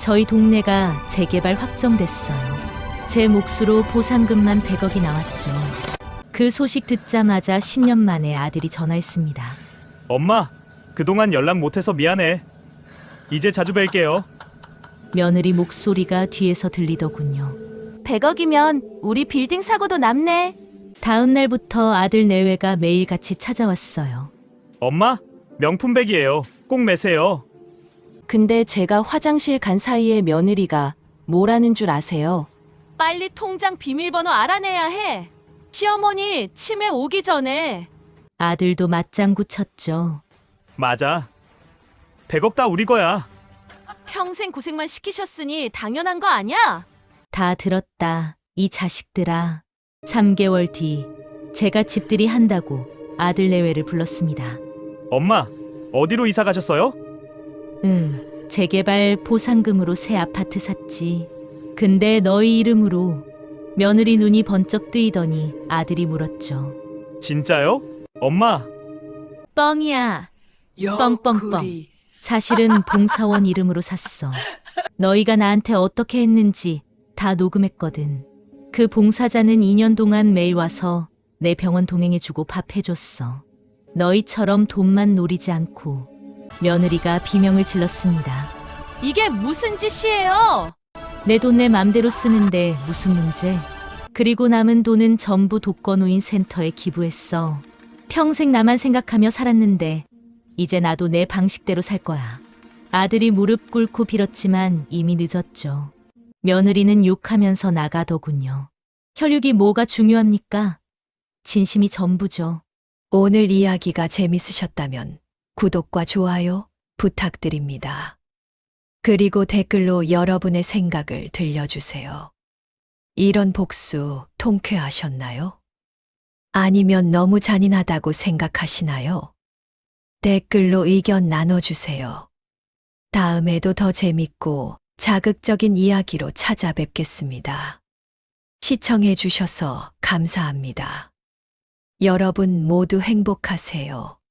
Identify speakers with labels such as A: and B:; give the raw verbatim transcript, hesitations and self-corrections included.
A: 저희 동네가 재개발 확정됐어요. 제 몫으로 보상금만 백억이 나왔죠. 그 소식 듣자마자 십 년 만에 아들이 전화했습니다.
B: 엄마, 그동안 연락 못해서 미안해. 이제 자주 뵐게요.
A: 며느리 목소리가 뒤에서 들리더군요.
C: 백억이면 우리 빌딩 사고도 남네.
A: 다음 날부터 아들 내외가 매일같이 찾아왔어요.
B: 엄마, 명품백이에요. 꼭 매세요.
C: 근데 제가 화장실 간 사이에 며느리가 뭐라는 줄 아세요? 빨리 통장 비밀번호 알아내야 해. 시어머니 치매 오기 전에.
A: 아들도 맞장구 쳤죠.
B: 맞아. 백억 다 우리 거야.
C: 평생 고생만 시키셨으니 당연한 거 아니야?
A: 다 들었다. 이 자식들아. 삼 개월 뒤 제가 집들이 한다고 아들 내외를 불렀습니다.
B: 엄마, 어디로 이사 가셨어요?
A: 응, 재개발 보상금으로 새 아파트 샀지. 근데 너희 이름으로. 며느리 눈이 번쩍 뜨이더니 아들이 물었죠.
B: 진짜요? 엄마,
A: 뻥이야. 뻥뻥뻥. 사실은 봉사원 이름으로 샀어. 너희가 나한테 어떻게 했는지 다 녹음했거든. 그 봉사자는 이 년 동안 매일 와서 내 병원 동행해주고 밥 해줬어. 너희처럼 돈만 노리지 않고. 며느리가 비명을 질렀습니다.
C: 이게 무슨 짓이에요?
A: 내 돈 내 맘대로 쓰는데 무슨 문제? 그리고 남은 돈은 전부 독거노인 센터에 기부했어. 평생 나만 생각하며 살았는데 이제 나도 내 방식대로 살 거야. 아들이 무릎 꿇고 빌었지만 이미 늦었죠. 며느리는 욕하면서 나가더군요. 혈육이 뭐가 중요합니까? 진심이 전부죠.
D: 오늘 이야기가 재밌으셨다면 구독과 좋아요 부탁드립니다. 그리고 댓글로 여러분의 생각을 들려주세요. 이런 복수 통쾌하셨나요? 아니면 너무 잔인하다고 생각하시나요? 댓글로 의견 나눠주세요. 다음에도 더 재밌고 자극적인 이야기로 찾아뵙겠습니다. 시청해 주셔서 감사합니다. 여러분 모두 행복하세요.